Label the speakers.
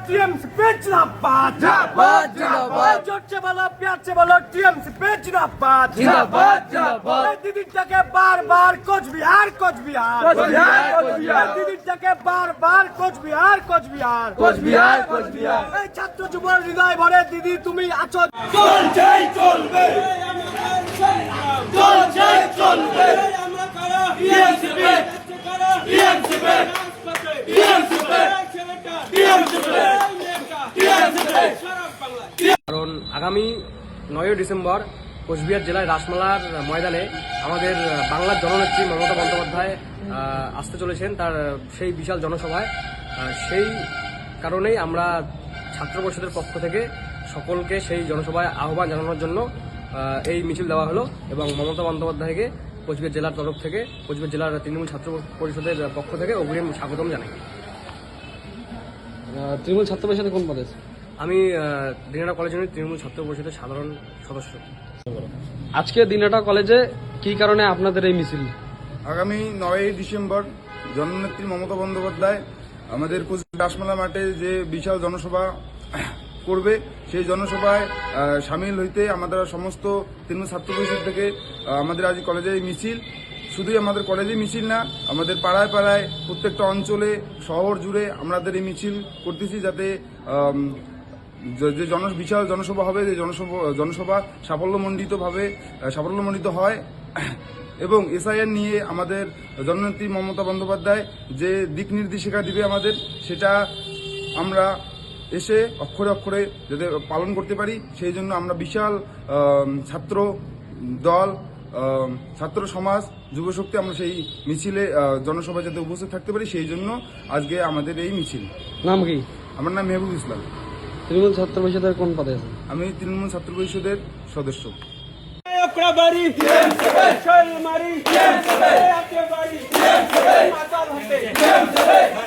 Speaker 1: TMC पे जिंदाबाद
Speaker 2: जिंदाबाद जिंदाबाद
Speaker 1: जोर से बोलो प्यार से बोलो टीएमसी पे जिंदाबाद
Speaker 2: जिंदाबाद जिंदाबाद
Speaker 1: दीदी टके बार बार कोच बिहार
Speaker 2: कोच बिहार
Speaker 1: दीदी टके बार बार कोच बिहार
Speaker 2: কোচ বিহার
Speaker 1: এই ছাত্র যুবর হৃদয় ভরে দিদি তুমি আছো
Speaker 3: চলছেই চলবে চলছেই চলবে টিএমসিপি টিএমসিপি
Speaker 4: কারণ আগামী 9 ডিসেম্বর কোচবিহার জেলায় রাসমেলার ময়দানে আমাদের বাংলার জননেত্রী মমতা বন্দ্যোপাধ্যায় আসতে চলেছেন তার সেই বিশাল জনসভায়। সেই কারণেই আমরা ছাত্র পরিষদের পক্ষ থেকে সকলকে সেই জনসভায় আহ্বান জানানোর জন্য এই মিছিল দেওয়া হলো এবং মমতা বন্দ্যোপাধ্যায়কে কোচবিহার জেলার তরফ থেকে কোচবিহার জেলার তৃণমূল ছাত্র পরিষদের পক্ষ থেকে অগ্রিম স্বাগতম জানাই।
Speaker 5: তৃণমূল ছাত্র পরিষদে কোন পদে?
Speaker 4: আমি দিনাটা কলেজ ইউনিট তৃণমূল ছাত্র পরিষদের সাধারণ সদস্য।
Speaker 5: আজকে দিনাটা কলেজে কি কারণে আপনাদের এই মিছিল?
Speaker 6: আগামী 9 ডিসেম্বর জননেত্রী মমতা বন্দ্যোপাধ্যায় আমাদের কোচবিহার রাসমেলা মাঠে যে বিশাল জনসভা করবে সেই জনসভায় সামিল হইতে আমাদের সমস্ত তৃণমূল ছাত্র পরিষদ থেকে আমাদের আজ কলেজে মিছিল, শুধুই আমাদের কলেজে মিছিল না, আমাদের পাড়ায় পাড়ায় প্রত্যেকটা অঞ্চলে শহর জুড়ে আমাদের এই মিছিল করতেছি, যাতে যে বিশাল জনসভা হবে যে জনসভা সাফল্যমণ্ডিত হয় এবং এসআইআর নিয়ে আমাদের জননেত্রী মমতা বন্দ্যোপাধ্যায় যে দিক নির্দেশিকা দিবে আমাদের, সেটা আমরা এসে অক্ষরে অক্ষরে যাতে পালন করতে পারি সেই জন্য আমরা বিশাল ছাত্র দল, ছাত্র সমাজ, যুবশক্তি আমরা সেই মিছিলে জনসভায় যাতে উপস্থিত থাকতে পারি সেই জন্য আজকে আমাদের এই মিছিল।
Speaker 5: নাম কি?
Speaker 6: আমার নাম মেহবুব ইসলাম।
Speaker 5: তৃণমূল ছাত্র পরিষদের কোন পদে আছেন?
Speaker 6: আমি তৃণমূল ছাত্র পরিষদের সদস্য।
Speaker 3: বাড়ি শৈল মারি মাতাল হতে